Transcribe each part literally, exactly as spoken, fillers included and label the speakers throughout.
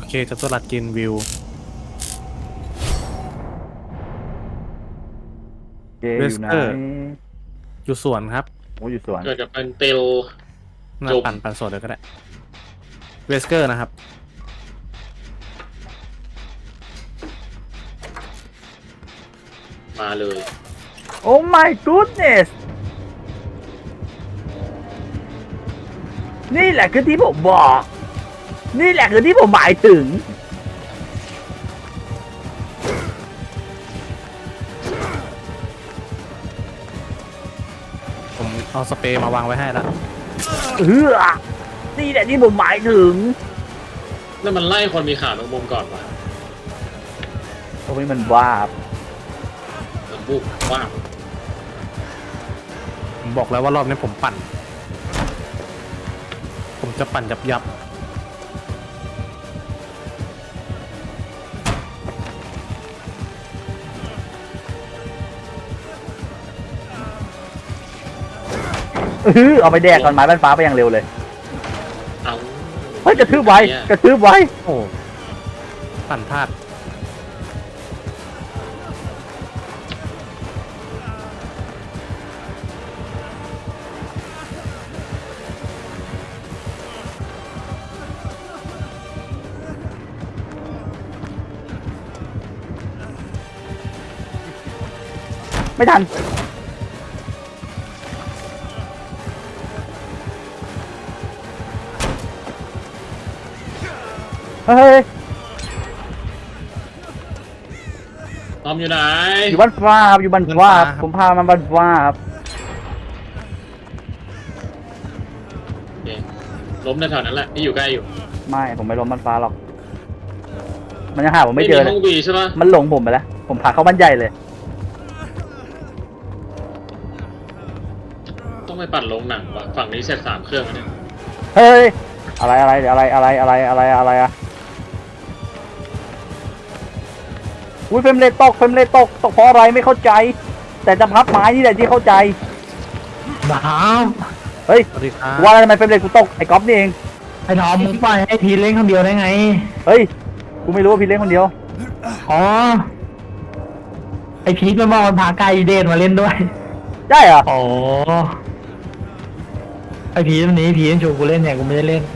Speaker 1: เคจัตุรัสกินวิว
Speaker 2: เจอ
Speaker 1: เว
Speaker 2: อ
Speaker 1: ส
Speaker 2: ยู่ไหน
Speaker 1: เกอร์อยู่สวนครับ
Speaker 2: โอ้อยู่สวน
Speaker 3: เกิดกับเป็นเตล
Speaker 1: น่า
Speaker 3: จบ
Speaker 1: ปั่นปั่นสดเลยก็ได้เวสเกอร์นะครับ
Speaker 3: มาเลย
Speaker 2: โอ้ my goodness นี่แหละคือที่ผมบอก นี่แหละคือที่ผมหมายถึง
Speaker 1: ผมเอาสเปรย์มาวางไว้ให้แล้ว
Speaker 2: เออนี่แหละที่ผมหมายถึง
Speaker 3: นั่นมันไล่คนมีขาตรงมุมก่อนวะ
Speaker 2: โอ้ยมันบ้าบ
Speaker 3: มันบุกว่าบ
Speaker 1: ผมบอกแล้วว่ารอบนี้ผมปั่น ผมจะปั่นยับยับ
Speaker 2: เออเอาไปแดกก่อนไม้บ้านฟ้าไปอย่างเร็วเลย
Speaker 3: เอา
Speaker 2: เฮ้ยกระทืบไว้กระทืบไว้
Speaker 1: โอ้ปั่นพลาด
Speaker 2: ไม่ทันเฮ้ย
Speaker 3: ตอมอยู่ไหน
Speaker 2: อยู่บ้านฟ้าครับอยู่บ้านฟ้าครับผมพามาบ้านฟ้าครับ
Speaker 3: โอเคล้มในแถวนั้นแหละที่อยู่ใกล้อยู่
Speaker 2: ไม่ผมไม่ล้มบ้านฟ้าหรอก มันยังหาผมไม่เจอเล
Speaker 3: ห้
Speaker 2: ย
Speaker 3: องบีใช่ปะ
Speaker 2: มันหลงผมไปแล้ว ผมพาเข้าบ้านใหญ่เลย
Speaker 3: ต้องไปปั่นลงหนังวะฝั่งนี้เสร็จสามเครื่องแล้วเนี่ย
Speaker 2: เฮ้ย อะไรอะไรอะไรอะไรอะไรอะไรอะไรอะอุ้ยเฟรมเรทตกเฟรมเรทตกตกเพราะอะไรไม่เข้าใจ แต่จะพับไม้นี่แหละที่เข้าใจ
Speaker 4: น้
Speaker 2: เฮ้ย
Speaker 1: สวัสดีครับ
Speaker 2: ว่าอะไรทำไมเฟรมเรทกูตกไอ้ก๊อฟนี่เอง
Speaker 4: ำไอ้ทอมมึงปล่อยให้พีเล่นคนเดียวได้ไง
Speaker 2: เฮ้ย กูไม่รู้ว่าพี่เล่นคนเดียว
Speaker 4: อ๋อ ไอพีทมันบอกมันพาไกลเดนมาเล่นด้วย
Speaker 2: ได้เหรอ
Speaker 4: อ๋อ ไอพีทวันนี้พีทชวนกูเล่นเนี่ยกูไม่ได้เล่น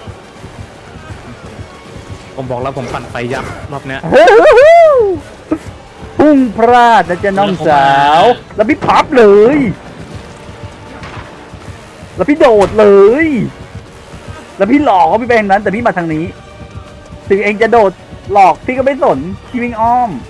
Speaker 1: ผมบอกแล้วผมปั่นไฟยับรอบเนี้ย
Speaker 2: พุ่งพลาดนะจ๊ะน้องสาว แล้วพี่พับเลย แล้วพี่โดดเลย แล้วพี่หลอกเขาพี่ไปทางนั้น แต่พี่มาทางนี้ ถึงเองจะโดดหลอกพี่ก็ไม่สนพี่วิ่งอ้อม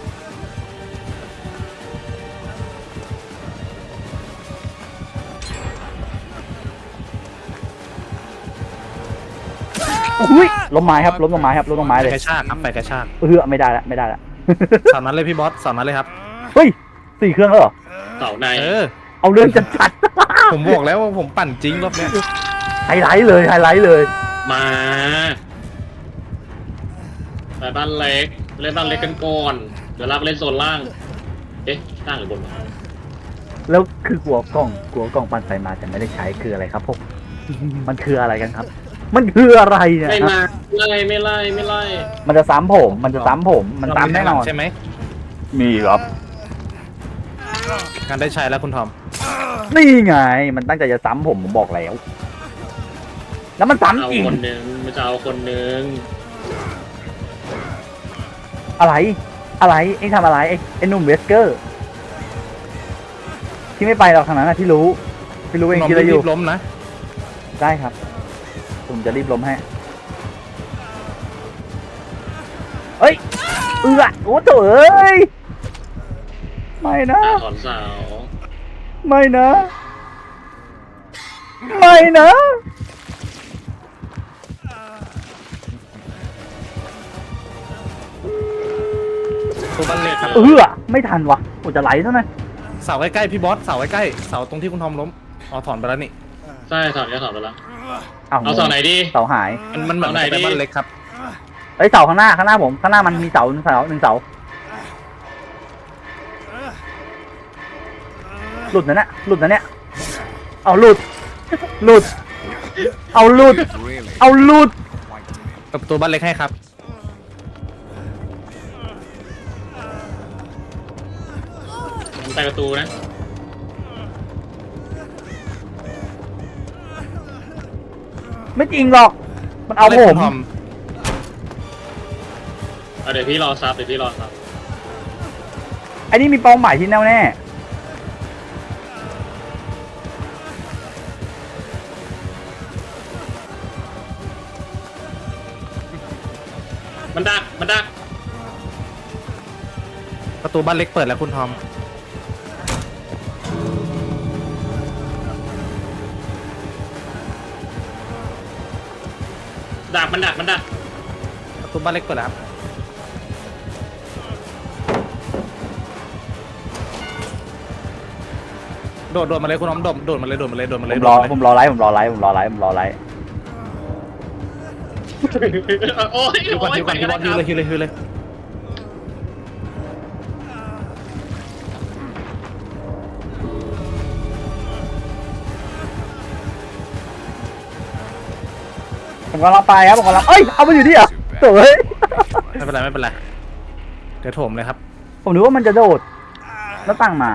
Speaker 2: อุ้ยล้มไม้ครับล้มลงไม้ครับล้มลงไม้
Speaker 1: ไป
Speaker 2: เลย
Speaker 1: กระชากครับไปกระชาก
Speaker 2: เออไม่ได้ละไม่ได้ละ
Speaker 1: สอนนั้นเลยพี่บอสสอนนั้นเลยครับ
Speaker 2: เฮ้ยสี่เครื่องแล้วเหรอ
Speaker 3: เสาใน
Speaker 1: เออ
Speaker 2: เอาเรื่องจัดจัด
Speaker 1: ผมบอกแล้วว่าผมปั่นจริงรอบเนี้ย
Speaker 2: ไฮไลท์เลยไฮไลท์เลย
Speaker 3: มาไปบ้านเล็กเล่นบ้านเล็กกันก่อนเดี๋ยวเราไปเล่นโซนล่าง เอ๊ะล่างหรือบนวะ
Speaker 2: แล้วคือกลัวกล้องกลัวกล้องปั่นไฟมาแต่ไม่ได้ใช้คืออะไรครับพวก มันคืออะไรกันครับ มันคืออะไรเนี่ย
Speaker 3: ไม่
Speaker 2: ฮะ
Speaker 3: มาไม่ไล่ไม่ไล่ไม่ไล่
Speaker 2: มันจะซ้ำผม มันจะซ้ำผม มันซ้ำแน่นอน
Speaker 1: ใช่ไหม
Speaker 2: มีครับ
Speaker 1: การได้ใช้แล้วคุณทอม
Speaker 2: นี่ไง มันตั้งใจจะซ้ำผมผมบอกแล้ว แล้วมัน
Speaker 3: เอา
Speaker 2: ซ้ำจริง
Speaker 3: คนหนึ่งมันจะเอาคนหนึ่ง
Speaker 2: อะไร อะไรเอ็งทำอะไรไอ้ไอ้หนุ่มเวสเกอร์ ที่ไม่ไปหรอกทางนั้นนะที่รู้ที่รู้เอง
Speaker 1: น้อง
Speaker 2: คิดอะไรอ
Speaker 1: รี
Speaker 2: ยู่
Speaker 1: บล้มนะ
Speaker 2: ได้ครับ ผมจะรีบล้มให้เอ้ย เอือโอ้โถเอ้ย ไม่นะ
Speaker 3: อ่ะถอนเสา
Speaker 2: ไม่นะ ไม่นะ
Speaker 1: ตัวบันเล็กครับ
Speaker 2: เออไม่ทันวะโอ้จะไหลซะหน่อย
Speaker 1: เสาใกล้ๆพี่บอสเสาใกล้ๆเสาตรงที่คุณทอมล้มอ๋อถอนไปแล้วนี่
Speaker 3: ใช่ถอนแล้วถอนไปแล้ว
Speaker 2: เอา
Speaker 3: เอาเสาไหนดี
Speaker 2: เสาหาย
Speaker 1: มันมันเหมือน
Speaker 3: เสาไหน
Speaker 1: ไป
Speaker 3: ดิ
Speaker 1: บ้านเล็กครับ
Speaker 2: เอ้ยเสาข้างหน้าข้างหน้าผมข้างหน้ามันมีเสาหนึ่งเสาหนึ่งเสาหลุดนะเนี่ยหลุดนะเนี่ยเอาหลุดหลุด เอาหลุด เอาหลุด
Speaker 1: เปิดประตูบ้านเล็กให้ครับ
Speaker 3: มันไปประตูนะ
Speaker 2: ไม่จริงหรอก มันเอา
Speaker 1: ล่น
Speaker 2: ผ
Speaker 1: คุ
Speaker 2: ม
Speaker 1: ณทอม
Speaker 3: เอาเดี๋ยวพี่รอซับเดี๋ยวพี่รอซับ
Speaker 2: ไอ้นี่มีเป้าหมายที่แน่วแน่
Speaker 3: มันดักมันดัก
Speaker 1: ประตูบ้านเล็กเปิดแล้วคุณทอม
Speaker 3: ดักมันดักมันดัก
Speaker 1: ประตูบ้านเล็กเปิดแล้วครับโดดโดดมาเลยคุณทอมโดดโดดมาเลยโดดมาเลยโดดมา
Speaker 2: ผ
Speaker 1: เลย
Speaker 2: มรอ
Speaker 1: โดดาเลย
Speaker 2: ผมรอไลฟ์ผมรอไลฟ์ผมรอไลฟ์ผมรอไลฟ์
Speaker 3: โอ้ย
Speaker 1: ฮิวก่อน
Speaker 3: โอ้ย
Speaker 1: ฮิวก่อนฮิวก่อนฮิวเลยฮิวเลยฮิวเลย
Speaker 2: ผมกำลังไปครับผมกำลังเอ้ยเอาไปอยู่ที่เหรอโถ่เฮ้ย
Speaker 1: ไม่เป็นไรไม่เป็นไรเดี๋ยวโถมเลยครับ
Speaker 2: ผมนึกว่ามันจะโดดแล้วตั้งมา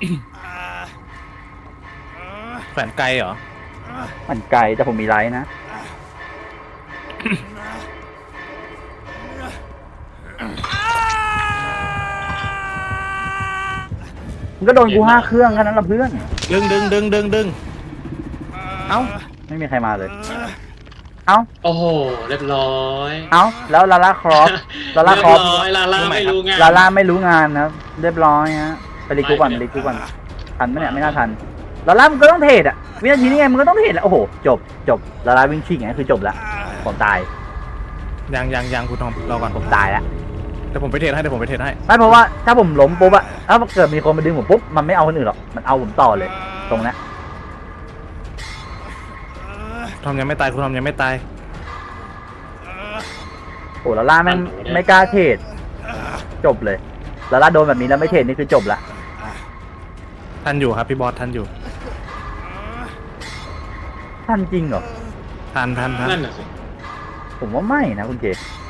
Speaker 1: แขวนไกลเหรอ
Speaker 2: มันไกลแต่ผมมีไลฟ์นะ มันก็โดนกูห้าเครื่องแค่นั้นละเพื่อน
Speaker 1: ดึงดึงดึงดึงดึงเอ้า
Speaker 2: ไม่มีใครมาเลย เอ้า
Speaker 3: โอ้โหเรียบร้อย
Speaker 2: เอ้า แล้วลาล่าครอส ลาล่า
Speaker 3: เรีย
Speaker 2: ครอส
Speaker 3: บร้อยลาล่าไม่รู้งาน
Speaker 2: ลาล่าไม่รู้งานนะเรียบร้อยฮะไปรีกูก่อนไปรีกูก่อนทันไหมเนี่ยไม่น่าทันลาล่ามันก็ต้องเทรดอะวินาทีนี้ไงมันก็ต้องเทรดแหละโอ้โหจบจบลาล่าวิ่งชิงไงคือจบละผมตาย
Speaker 1: ยังยังยังคุณทอมรอก่อน
Speaker 2: ผมตายละ
Speaker 1: เดี๋ยวผมไปเทรดให้เดี๋ยวผมไปเทรดให้
Speaker 2: ไม่เพราะว่าถ้าผมล้มปุ๊บอะถ้าเกิดมีคนมาดึงผมปุ๊บมันไม่เอาคนอื่นหรอกมันเอาผมต่อเลย ตรงนั้น
Speaker 1: คุณทอมยังไม่ตายคุณทอมยังไม่ตาย
Speaker 2: โอ้ลาล่าแม่งไม่กล้าเทรดจบเลยลาล่าโดนแบบนี้แล้วไม่เทรดนี่คือจบละ
Speaker 1: ทันอยู่ครับพี่บอสทันอยู่
Speaker 2: ท่านจริงเหรอ
Speaker 1: ทันทันทัน
Speaker 3: นั่นน่ะสิ
Speaker 2: ผมว่าไม่นะคุณเจ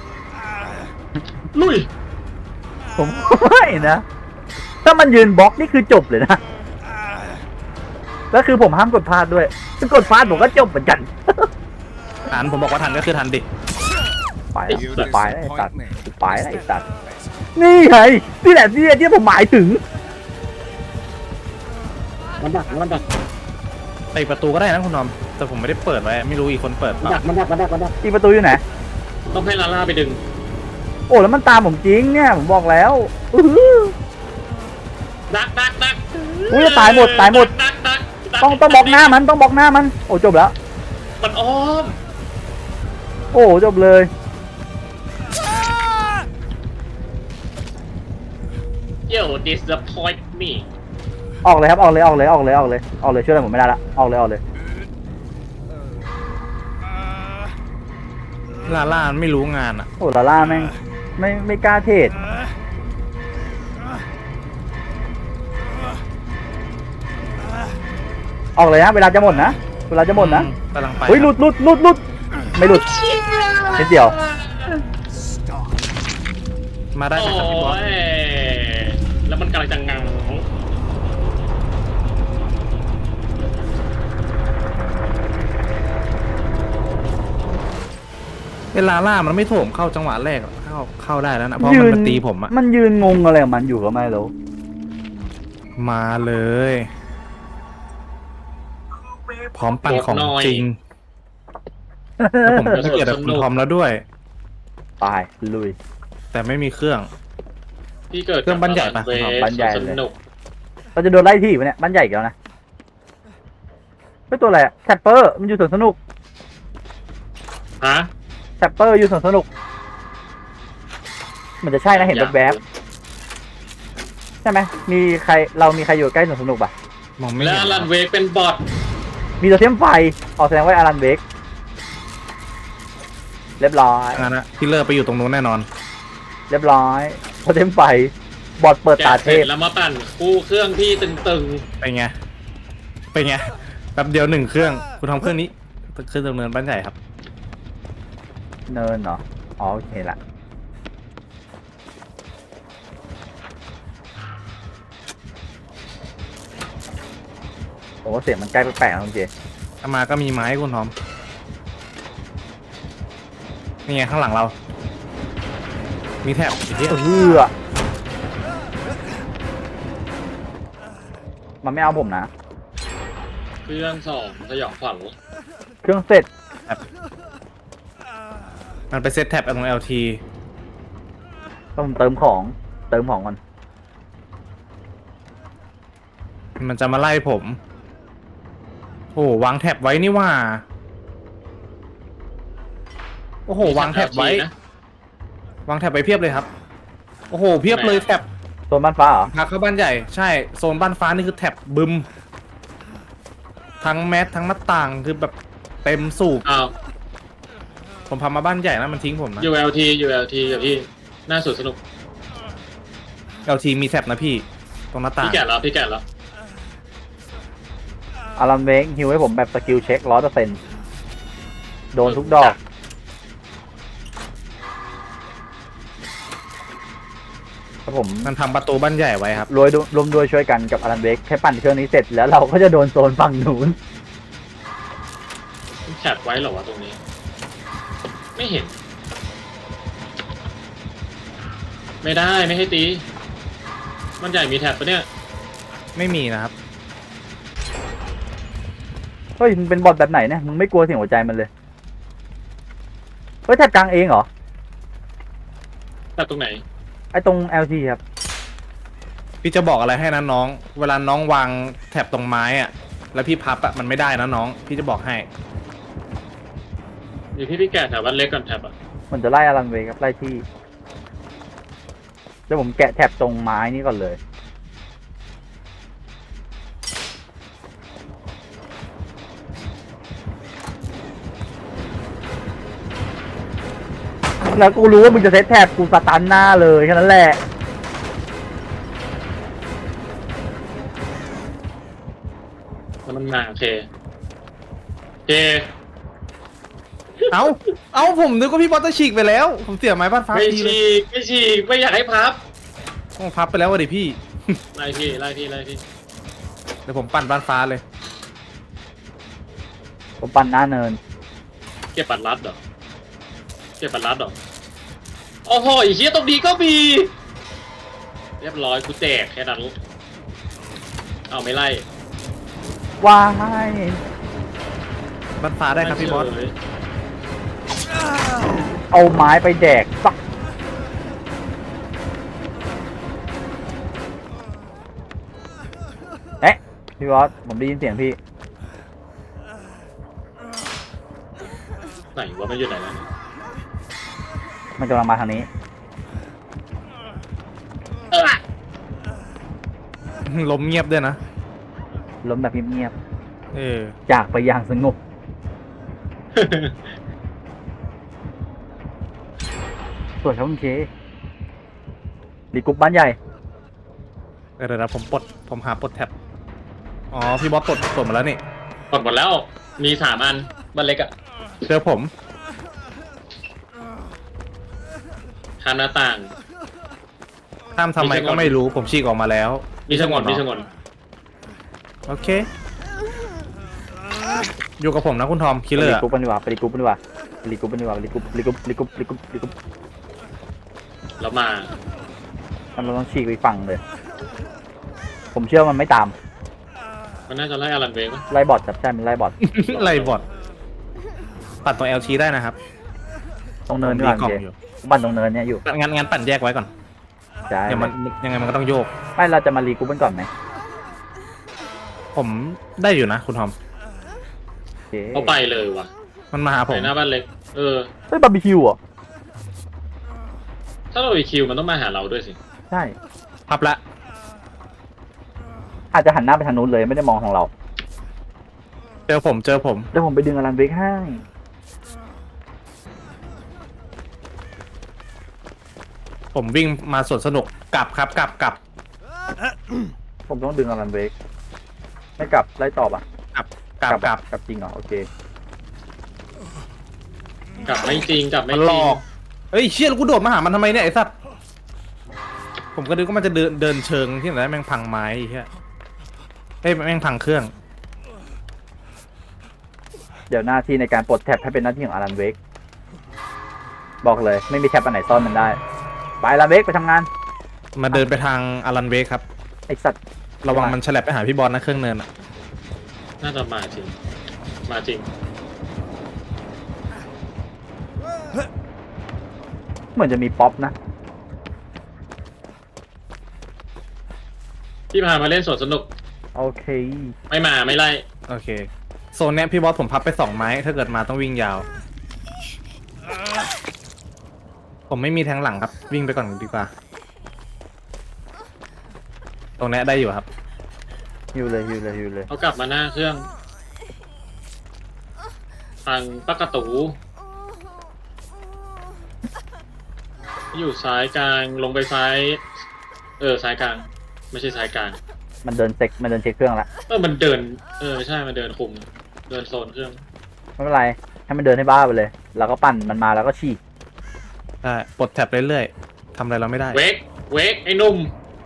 Speaker 3: ลุย
Speaker 2: ผมว่าไม่นะถ้ามันยืนบล็อกนี่คือจบเลยนะแล้วคือผมห้ามกดพลาดด้วยถ้ากดพลาดผมก็จบเหมือนกัน
Speaker 1: ทันผมบอกว่าทันก็คือทันดิ
Speaker 2: ไปแล้วไปแล้วไอ้สัตว์ไปแล้วไอ้สัตว์นี่ไงนี่แหละที่ที่ผมหมายถึง
Speaker 3: มันดักมันดัก
Speaker 1: ไปประตูก็ได้นะคุณทอมแต่ผมไม่ได้เปิดไว้ไม่รู้อีกคนเปิดเป
Speaker 3: มัน
Speaker 1: ล่า
Speaker 3: ดักมันดักมันดักมันดัก
Speaker 2: อีประตูอยู่ไหน
Speaker 3: ต้องให้ลาล่าไปดึง
Speaker 2: โอ้แล้วมันตามผมจริงเนี่ยผมบอกแล้วอื้อหือ
Speaker 3: ดักดักดัก
Speaker 2: อุ้ยตายหมดตายหมด
Speaker 3: ดักดักดัก
Speaker 2: ต้องต้องบล็อกหน้ามันต้องบล็อกหน้ามัน โอ้จบแล้ว
Speaker 3: มันอ้อม
Speaker 2: โอ้จบเลย
Speaker 3: เดี๋ยว disappoint me
Speaker 2: ออกเลยครับออกเลยออกเลยออกเลยออกเลยออกเลยช่วยอะไรผมไม่ได้ละออกเลยออกเลย
Speaker 1: ลาล่ามันไม่รู้งานอ่ะ
Speaker 2: โอ้ลาล่าแม่งไม่ไม่กล้าเทรดออกเลยนะเวลาจะหมดนะเวลาจะหมดนะ
Speaker 1: กำลังไป
Speaker 2: เฮ้ยหลุดหลุดหลุดหลุดไม่หลุดนิดเดียว
Speaker 1: มาได้ไหมครับพี่บอส
Speaker 3: โอ้ยแล้วมันกำลังจะงัง
Speaker 1: เวลาล่ามันไม่โถมเข้าจังหวะแรกอะเข้าเข้าได้แล้วนะเพราะมันมาตีผมอะ
Speaker 2: มันยืนงงอะไรของมันอยู่ก็ไม่รู้
Speaker 1: มาเลย พร้อมปั่นของจริงแล้วผมก็เกลียดกับคุณทอมแล้วด้วย
Speaker 2: ไปลุย
Speaker 1: แต่ไม่มีเครื่อง
Speaker 3: พี่เกิด
Speaker 1: เครื่องบ้านใหญ่ปะ
Speaker 3: เวฟ
Speaker 2: บ้านใหญ่เลย
Speaker 3: สนุก
Speaker 2: เราจะโดนไล่ที่ปะเนี่ยบ้านใหญ่อีกแล้วนะเป็นตัวอะไรอะแทปเปอร์มันอยู่สวนสนุก
Speaker 3: ฮะ
Speaker 2: แทปเปอร์อยู่สวนสนุกมันจะใช่นะเห็นแวบๆใช่ไหมมีใครเรามีใครอยู่ใกล้สวนสนุกปะ
Speaker 1: มองไม่
Speaker 3: แล้ว
Speaker 1: เห็น
Speaker 3: อลันเวกเป็นบอท
Speaker 2: มีตัวเทียมไฟออกแสดงว่าอารันเบกเรียบร้อย
Speaker 1: งั้นนะพี่เลอร์ไปอยู่ตรงนู้นแน่นอน
Speaker 2: เรียบร้อยตัวเทียมไฟบอดเปิด
Speaker 3: แกะ
Speaker 2: ตา
Speaker 3: เส
Speaker 2: เท
Speaker 3: ร็จ
Speaker 2: พ
Speaker 3: แล้วมาปั่นคู่เครื่องพี่ตึง
Speaker 1: เป็นไง เป็นไง แป๊บเดียวหนึ่งเครื่อง คุณทำเครื่องนี้ขึ้นดำเนินบ้านใหญ่ครับ
Speaker 2: เนินเหรออ๋อโอเคละโอ้เสียงมันใกล้แปลกๆนะคุณเจ
Speaker 1: ถ้ามาก็มีไม้คุณทอมนี่ไงข้างหลังเรา มีแถบไอ้เหี้ย
Speaker 2: เฮือมันไม่เอาผมนะ
Speaker 3: เครื่องสองสยองขวัญ
Speaker 2: เครื่องเสร็จ
Speaker 1: มันไปเซตแท็บตรง แอล ที
Speaker 2: ต้องเติมของเติมของก่อน
Speaker 1: มันจะมาไล่ผม โอ้โหวางแท็บไว้นี่ว่า โอ้โห วางแท็บไว้
Speaker 3: นะ
Speaker 1: วางแท็บไว้เพียบเลยครับ โอ้โห เพียบเลยแท็บ
Speaker 2: โซนบ้านฟ้าเหรอ
Speaker 1: พาเข้าบ้านใหญ่ ใช่ โซนบ้านฟ้านี่คือแท็บบึม ทั้งแมสทั้งหน้าต่างคือแบบเต็มสูบ
Speaker 3: อ้าว
Speaker 1: ผมพามาบ้านใหญ่นะมันทิ้งผมนะ
Speaker 3: ยู แอล ที ยู แอล ที กับพี่น่าสุดสนุก
Speaker 1: แอล ที มีแท็บนะพี่ ตรงหน้าต่าง
Speaker 3: พี่แก่แล้วพี่แก่แล้ว
Speaker 2: อารันเวกฮิวให้ผมแบบสกิลเช็คร้อยเปอร์เซ็นต์โดนทุกดอกครับผม
Speaker 1: มันทำประตูบ้านใหญ่ไว้ครับ
Speaker 2: รวยรวมด้วยช่วยกันกับอารันเวกแค่ปั่นเครื่องนี้เสร็จแล้วเราก็จะโดนโซนฝั่งนู้น
Speaker 3: แคปไว้เหรอวะตรงนี้ ไม่เห็น ไม่ได้ไม่ให้ตี มันใหญ่มีแท็บปะเนี่ย
Speaker 1: ไม่มีนะครับ
Speaker 2: เฮ้ยมึงเป็นบอทแบบไหนเนี่ยมึงไม่กลัวเสียงหัวใจมันเลยเฮ้ยแท็บกลางเองเหรอ
Speaker 3: แท็บตรงไหน
Speaker 2: ไอ้ตรง แอล ที ครับ
Speaker 1: พี่จะบอกอะไรให้นะน้อง เวลาน้องวางแท็บตรงไม้อะแล้วพี่พับอะมันไม่ได้นะน้อง พี่จะบอกให้
Speaker 3: เดี๋ยวพี่พี่แก่แถวบ้านเล็กก่อนแท็บอ่ะ
Speaker 2: มันจะไล่อารันเวกครับไล่ที่เดี๋ยวผมแกะแท็บตรงไม้นี้ก่อนเลยแล้วกูรู้ว่ามึงจะเซตแท็บกูสตันหน้าเลยแค่นั้นแหละ
Speaker 3: แล้วมันมาโอเคโอเค
Speaker 1: เอาเอาผมนึกว่าพี่บอสจะฉีกไปแล้ว ผมเสียไม้บ้านฟ้า
Speaker 3: ไม่
Speaker 1: ทีเลย
Speaker 3: ฉีกไม่ฉีกไม่อยากให้พับ
Speaker 1: โอ้พับไปแล้ววะดิพี่
Speaker 3: ไล่พี่ไล่พี่ไล่พี่
Speaker 1: เดี๋ยวผมปั่นบ้านฟ้าเลย
Speaker 2: ผมปั่นหน้าเนิน
Speaker 3: เก็บปัดรัดเหรอเก็บปัดรัดเหรอโอ้โหไอ้เหี้ยตรงนี้ก็มี เรียบร้อยกูแตกแค่นั้นเอาไม่ไล่
Speaker 2: ว้าย
Speaker 1: บ้านฟ้าได้ครับพี่บอส
Speaker 3: เฉย
Speaker 2: เอาไม้ไปแดกสักเอ๊ะพี่บอสผมได้ยินเสียงพี่
Speaker 3: ไหนวะมันอยู่ไหนแล้ว
Speaker 2: มันกำลังมาทางนี้
Speaker 1: ล้มเงียบด้วยนะ
Speaker 2: ล้มแบบเงียบ
Speaker 1: เออ
Speaker 2: ๆจากไปอย่างสงบสวยครับคุณเครีกรุ๊ปบ้านใหญ่
Speaker 1: เดี๋ยวนะผมปลดผมหาปลดแท็บ อ๋อ พี่บอสปลดปลดมาแล้วนี่
Speaker 3: หมดหมดแล้วมีสามอันบ้านเล็กอะ
Speaker 1: เจอผม
Speaker 3: ข้ามหน้าต่าง
Speaker 1: ห้ามทำไมก็ไม่รู้ ผมฉีกออกมาแล้ว
Speaker 3: มีสงวนมีสงวน
Speaker 1: โอเค อยู่กับผมนะคุณทอม คิลเลอ
Speaker 2: รี
Speaker 1: ร์
Speaker 2: กรุ๊ปกันดีกว่าไปรีกรุ๊ปกันดีกว่าไปรีกรุ๊ปกันดีกว่าไปรีกรุ๊ปรีกรุ๊ปรีกรุ๊ปรีกรุ๊ปรีกรุ๊ป
Speaker 3: แล้วมา
Speaker 2: มันเราต้องฉีกไปฝั่งเลย ผมเชื่อมันไม่ตาม
Speaker 3: มันน่าจะไล่อารันเวงปะ
Speaker 2: ไล่บอทจับใช่มันไล่บอท
Speaker 1: ไล่บอดปัดตรง แอล ที ได้นะครับ
Speaker 2: ตรงเนิน
Speaker 1: ผม
Speaker 2: ดีกว่า
Speaker 1: กล่อง
Speaker 2: เค
Speaker 1: อยู่
Speaker 2: บ้านตรงเนินเนี่ยอยู่
Speaker 1: งั้นงั้นปั่นแยกไว้ก่อน
Speaker 2: ใช่
Speaker 1: เดี๋ยวมันยังไงมันก็ต้องโยก
Speaker 2: ไม่เราจะมารีกรุ๊ปกันก่อนไหม
Speaker 1: ผมได้อยู่นะคุณทอม
Speaker 2: โอเค
Speaker 3: เขาไปเลยว่ะ
Speaker 1: มันมาหาผ
Speaker 3: ไป
Speaker 1: ม
Speaker 3: หน้าบ้านเล็ก เออ
Speaker 2: เฮ้ยบาร์บีคิวเหรอ
Speaker 3: ถ้าเราไปคิวมันต้องมาหาเราด้วยสิ
Speaker 2: ใช่
Speaker 1: พับละ
Speaker 2: อาจจะหันหน้าไปทางนู้นเลยไม่ได้มองของเรา
Speaker 1: เจอผมเจอผม
Speaker 2: เดี๋ยวผมไปดึงอลันเวกให้
Speaker 1: ผมวิ่งมาสวนสนุกกลับครับกลับกลับ
Speaker 2: ผมต้องดึงอลันเวกไม่กลับไล่ตอบอ่ะ
Speaker 1: กลับกลับกลับ
Speaker 2: กลับจริงเหรอโอเค
Speaker 3: กลับไม่จริงกลับไม่
Speaker 1: มัน
Speaker 3: จ
Speaker 1: หล
Speaker 3: ริง
Speaker 1: อกเฮ้ยเชี่ยแล้วกูโดดมาหามันทำไมเนี่ยไอ้สัตว์ผมก็นึกว่ามันจะเดินเดินเชิงที่ไหนได้แม่งพังไม้ไอ้เหี้ยเฮ้ยแม่งพังเครื่อง
Speaker 2: เดี๋ยวหน้าที่ในการปลดแท็บให้เป็นหน้าที่ของอารันเวกบอกเลยไม่มีแท็บอันไหนซ่อนมันได้ไปอารันเวกไปทำงาน
Speaker 1: มาเดินไปทางอารันเวกครับ
Speaker 2: ไอสัตว์
Speaker 1: ระวังมันฉลับไปหาพี่บอลนะเครื่องเนินอะ
Speaker 3: น่าจะมาจริง มาจริง
Speaker 2: เหมือนจะมีป๊อปนะ
Speaker 3: พี่พามาเล่นสวนสนุก
Speaker 2: โอเค
Speaker 3: ไม่มาไม่ไล่
Speaker 1: โอเคโซนเนี้ยพี่บอสผมพับไปสองไม้ถ้าเกิดมาต้องวิ่งยาว ผมไม่มีแทงหลังครับ วิ่งไปก่อนดีกว่า ตรงเนี้ยได้อยู่ครับ
Speaker 2: ฮิวเลยฮิวเลยฮิวเลย
Speaker 3: เขากลับมาหน้าเครื่อง ทางปากกระตู อยู่ซ้ายกลางลงไปซ้าย เออซ้ายกลาง ไม่ใช่ซ้ายกลาง
Speaker 2: มันเดินเซ็กมันเดินเช็คเครื่องละ
Speaker 3: เออมันเดิน เออใช่มันเดินคุม เดินโซนเครื่อง
Speaker 2: ไม่เป็นไรให้มันเดินให้บ้าไปเลย แล้วก็ปั่นมันมาแล้วก็ฉีก
Speaker 1: ได้ปลดแท็บเรื่อยๆทำอะไรเราไม่ได้
Speaker 3: เวกเวกไอ้หนุ่ม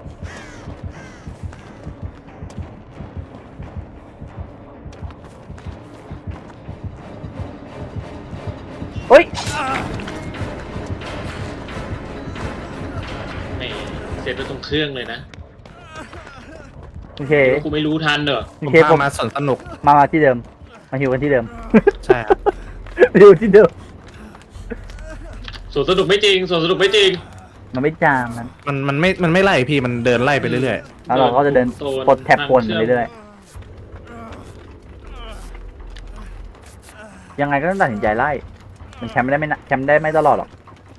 Speaker 2: เฮ้ย
Speaker 3: แหมเสร็จไปตรงเครื่องเลยนะ
Speaker 2: โอเค
Speaker 3: เดี๋ยวกูไม่รู้ทันเหรอ
Speaker 2: โอ
Speaker 1: ผม
Speaker 2: เคผ
Speaker 1: พาม มาสวนสนุก
Speaker 2: มามาที่เดิม มาฮิวกันที่เดิม
Speaker 1: ใช่ครับ
Speaker 2: ฮิวที่เดิม
Speaker 3: สวนสนุกไม่จริงสวนสนุกไม่จริง
Speaker 2: มันไม่จามมัน
Speaker 1: มันมันไม่ มันไม่ไล่พี่ มันเดินไล่ไปเรื่อย
Speaker 2: แล้วเราก็จะเดิน
Speaker 3: โซน
Speaker 2: ปลดแท็บ
Speaker 3: ทาง
Speaker 2: ปน
Speaker 3: เชื่อม
Speaker 2: เรื่อยๆยังไงก็ต้องตัดสินใจไล่ มันแคมป์ไม่ได้ไม่นะแคมป์ได้ไม่ตลอดหรอก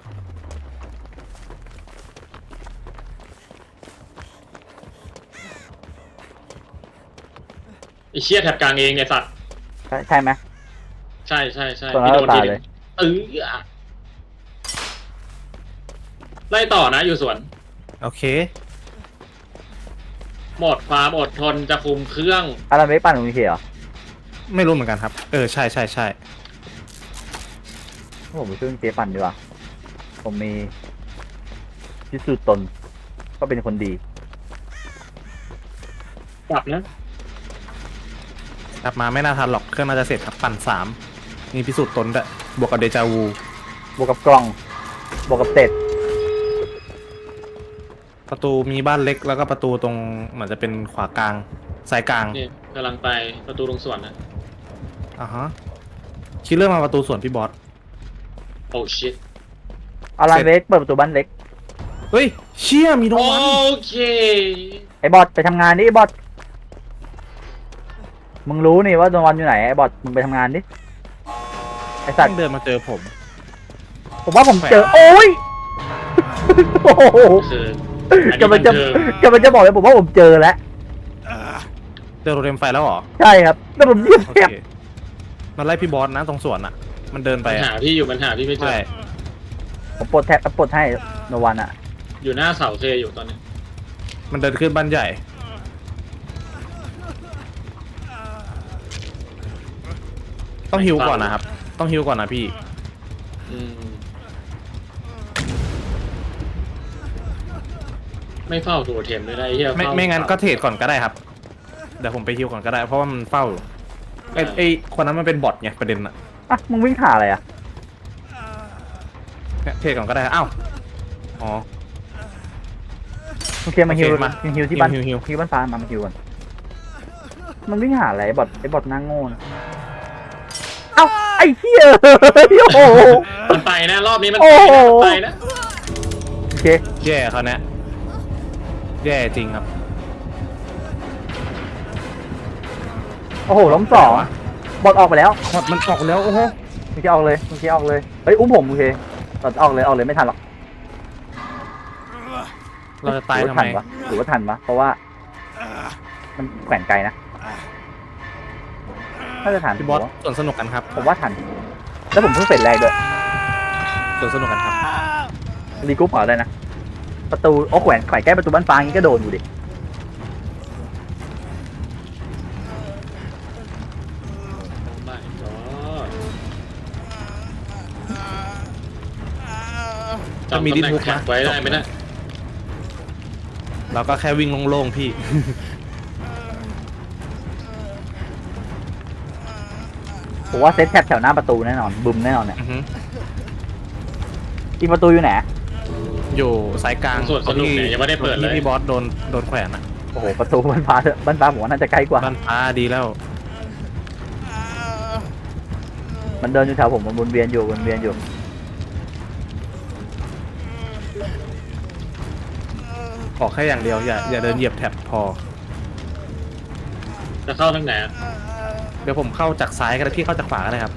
Speaker 3: ไอ้เชี่ยแถบกลางเองไอ้สัตว์
Speaker 2: ใช่ใช่ไหม
Speaker 3: ใช่ใช่ใช่
Speaker 2: ส่วน
Speaker 3: พี่โดน
Speaker 2: เรา
Speaker 3: ที
Speaker 2: ตาย
Speaker 3: นึ
Speaker 2: เล
Speaker 3: ง
Speaker 2: ย
Speaker 3: ตึงอ่ะไล่ต่อนะอยู่สวน
Speaker 1: ๆ โอเค
Speaker 3: หมดความอดทนจะคุมเครื่อง
Speaker 2: อารันเวกปั่นของมีเคเหรอ
Speaker 1: ไม่รู้เหมือนกันครับ เออ ใช่ใช่ใช่
Speaker 2: ผมไปช่วยเจปั่นดีกว่า ผมมีพิสูจน์ตน ก็เป็นคนดี
Speaker 3: กลับนะ
Speaker 1: กลับมาไม่น่าทันหรอก เครื่องน่าจะเสร็จครับ ปั่นสามนี่พิสูจน์ตนด้วยบวกกับเดจาวู
Speaker 2: บวกกับกล่อง บวกกับเต็ด
Speaker 1: ประตูมีบ้านเล็กแล้วก็ประตูตรงเหมือนจะเป็นขวากลางซ้ายกลาง
Speaker 3: นี่กำลังไปประตูลงสวนนะ
Speaker 1: อ่าฮะคิดเรื่องมาประตูส่วนพี่บอส
Speaker 3: โอ้ชิต
Speaker 2: อารันเวกเปิดประตูบ้านเล็ก
Speaker 1: เฮ้ย เชี่ยมีโดน
Speaker 3: โอ
Speaker 1: วัน
Speaker 3: เค
Speaker 2: ไอ้บอสไปทำงานดิไอ้บอส มึงรู้นี่ว่าโดนวันอยู่ไหนไอ้บอสมึงไปทำงานดิ ไอ้สั
Speaker 1: ตั้
Speaker 2: ต
Speaker 1: ง
Speaker 2: ว์
Speaker 1: เดินมาเจอผม
Speaker 2: ผมว่าผมเจอ โอ้ย โอ้โห
Speaker 3: คืออันนี้
Speaker 2: กำลั
Speaker 3: มั
Speaker 2: ง
Speaker 3: น
Speaker 2: จะ
Speaker 3: คือ
Speaker 2: กำลังจะบอกเลยผมว่าผมเจอแล้ว
Speaker 1: เจอโรเทมไฟแล้วเหรอ
Speaker 2: ใช่ครับแล้วผมเหยียบ
Speaker 1: โอ
Speaker 2: แทบ
Speaker 1: เคมันไล่พี่บอสนะตรงสวนอ่ะ มันเดินไป
Speaker 3: มัน
Speaker 1: อะ
Speaker 3: หาพี่อยู่มันหาพี่ไม่เจ
Speaker 1: ใช่
Speaker 3: อ
Speaker 2: ผมปลดแท็บปลดให้โนวันอ่ะ
Speaker 3: อยู่หน้าเสาเคอยู่ตอนนี้
Speaker 1: มันเดินขึ้นบ้านใหญ่ ต้องฮิวก่อนนะครับ ต้องฮิวก่อนนะพี่
Speaker 3: อืมไม่เฝ้าตัวเทมเลยนะไอ้เหี้ย
Speaker 1: ไม่
Speaker 3: เฝ้า
Speaker 1: ไม่งั้นก็เทรดก่อนก็ได้ครับ เดี๋ยวผมไปฮิวก่อนก็ได้ เพราะว่ามันเฝ้าอยู่ไอ้ไอ้คนนั้นมันเป็นบอทไงประเด็นอะ
Speaker 2: อ่ะ มึงวิ่งหาอะไรอ่ะ
Speaker 1: เนี่ยเทรดก่อนก็ได้อ้าวอ๋อ
Speaker 2: โอเคมาฮิว
Speaker 1: โอเคมา
Speaker 2: ฮิวที่บ้าน
Speaker 1: ฮิวฮิว
Speaker 2: ฮิวบ้านฟ้ามามาฮิวก่อนมันวิ่งหาอะไรไอ้บอทไอ้บอทหน้าโง่นะเอ้าไอ้เหี้ยโอ้โห
Speaker 3: มันไปนะรอบนี้มัน
Speaker 2: โอ้
Speaker 3: ไป
Speaker 2: โห
Speaker 3: นะมันไปนะ
Speaker 2: โอเค
Speaker 1: แย่เขาเนี่ยแย่จริงครับ
Speaker 2: โอ้โหล้มสองบอทออกไปแล้ว
Speaker 1: บอทมันออกแล้วโอ้โห
Speaker 2: มึงจะออกเลยมึงจะออกเลยเฮ้ยอุ้มผมโอเคบอทออกเลยออกเลยไม่ทันหรอก
Speaker 1: เราจะตาย
Speaker 2: หรือ
Speaker 1: ทำ
Speaker 2: ว่า
Speaker 1: ไม
Speaker 2: ทันวะหรือว่าทันวะเพราะว่า มันแขวนไกลนะน่าจะทัน
Speaker 1: พี่บอส
Speaker 2: ผมว่า
Speaker 1: ส่วนสนุกกันครับ
Speaker 2: ผมว่าทันแล้วผมเพิ่งเสร็จแรกด้วย
Speaker 1: ส่วนสนุกกันครับ
Speaker 2: รีกรุ๊ปเหรอได้นะ ประตูโอ้แขวนแขวนใกล้ประตูบ้านฟ้างี้ก็โดนอยู่ดิ
Speaker 3: ไม่ก็
Speaker 1: จะมี
Speaker 3: จำตำ
Speaker 1: ดิ
Speaker 3: แหน่ง
Speaker 1: ทุก
Speaker 3: แท็
Speaker 1: นะ
Speaker 3: กไว้ได้ไหมนะ
Speaker 1: เราก็แค่วิ่งโล่งๆพี่
Speaker 2: โผมว่าเซตแท็บแถวหน้าประตูแน่นอนบึมแน่นอนเนี่ย
Speaker 1: อือฮึ
Speaker 2: อีกประตูอยู่ไหน
Speaker 1: อยู่สายกลาง
Speaker 3: ส่วนสนุกเนี่ยยังไม่ได้เปิดเลย
Speaker 1: ที่พี่บอสโดนโดนแขวนอะ
Speaker 2: โอ้โหประตูบ้านฟ้าเถอะบ้านฟ้าผมว่าน่าจะใกล้กว่า
Speaker 1: บ้านฟ้าดีแล้ว
Speaker 2: มันเดินอยู่แถวผมมันวนเวียนอยู่วนเวียนอยู่
Speaker 1: ขอแค่อย่างเดียวอย่าอย่าเดินเหยียบแท็บพอ
Speaker 3: จะเข้าทางไหนอะ
Speaker 1: เดี๋ยวผมเข้าจากซ้ายก็ได้พี่เข้าจากขวาก็ได้ครับ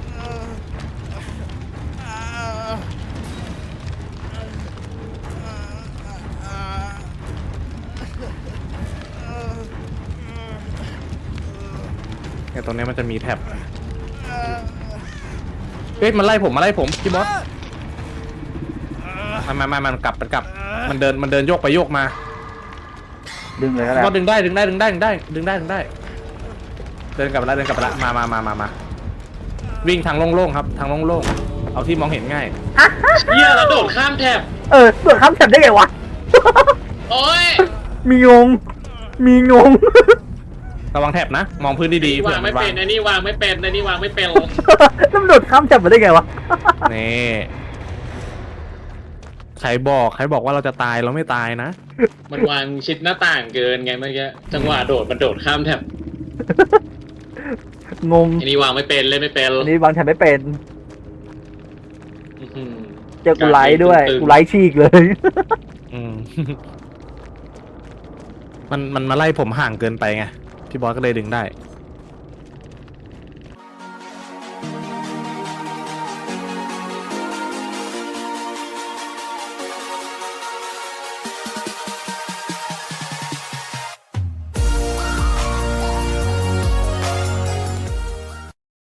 Speaker 1: เนี่ยตรงนี้มันจะมีแท็บเฮ้ยมันไล่ผมมาไล่ผมพี่บอสมามามามันกลับมันกลับ มันเดินมันเดินโยกไปโยกมา
Speaker 2: ดึงเลยก็
Speaker 1: พี่
Speaker 2: ได้
Speaker 1: บอสดึงได้ดึงได้ดึงได้ดึงได้ดึงได้ดึงได้ เดินกลับไปแล้วเดินกลับไปแล้วมามามามามาวิ่งทางโล่งๆครับทางโล่งๆเอาที่มองเห็นง่าย
Speaker 3: เหี้ยแล้วโดดข้ามแถบ
Speaker 2: เออเปิดคำแท็บได้ไงวะ
Speaker 3: โอ้ย
Speaker 2: มีงง มีงง
Speaker 1: ระวังแท็บนะ มองพื้นดีๆ
Speaker 3: วางไม่เป็นไอ้นี่วางไม่เป็นไอ้นี่วางไม่เป็น
Speaker 2: ตำรวจข้ามแท็บมาได้ไงวะ
Speaker 1: นี่ใครบอกใครบอกว่าเราจะตายเราไม่ตายนะ
Speaker 3: มันวางชิดหน้าต่างเกินไงเมื่อกี้จังหวะโดดมันโดดข้ามแถบ
Speaker 2: งง
Speaker 3: ไอ้นี่วางไม่เป็นเล่นไม่เป็น
Speaker 2: อันนี้วางแท็บไม่เป็น
Speaker 3: อื้อหือ
Speaker 2: เจอกูไลท์ด้วย
Speaker 3: ตึงๆ
Speaker 2: กูไลท์ฉีกเลย
Speaker 1: อืม มันมันมาไล่ผมห่างเกินไปไงพี่บอสก็เลยดึงได้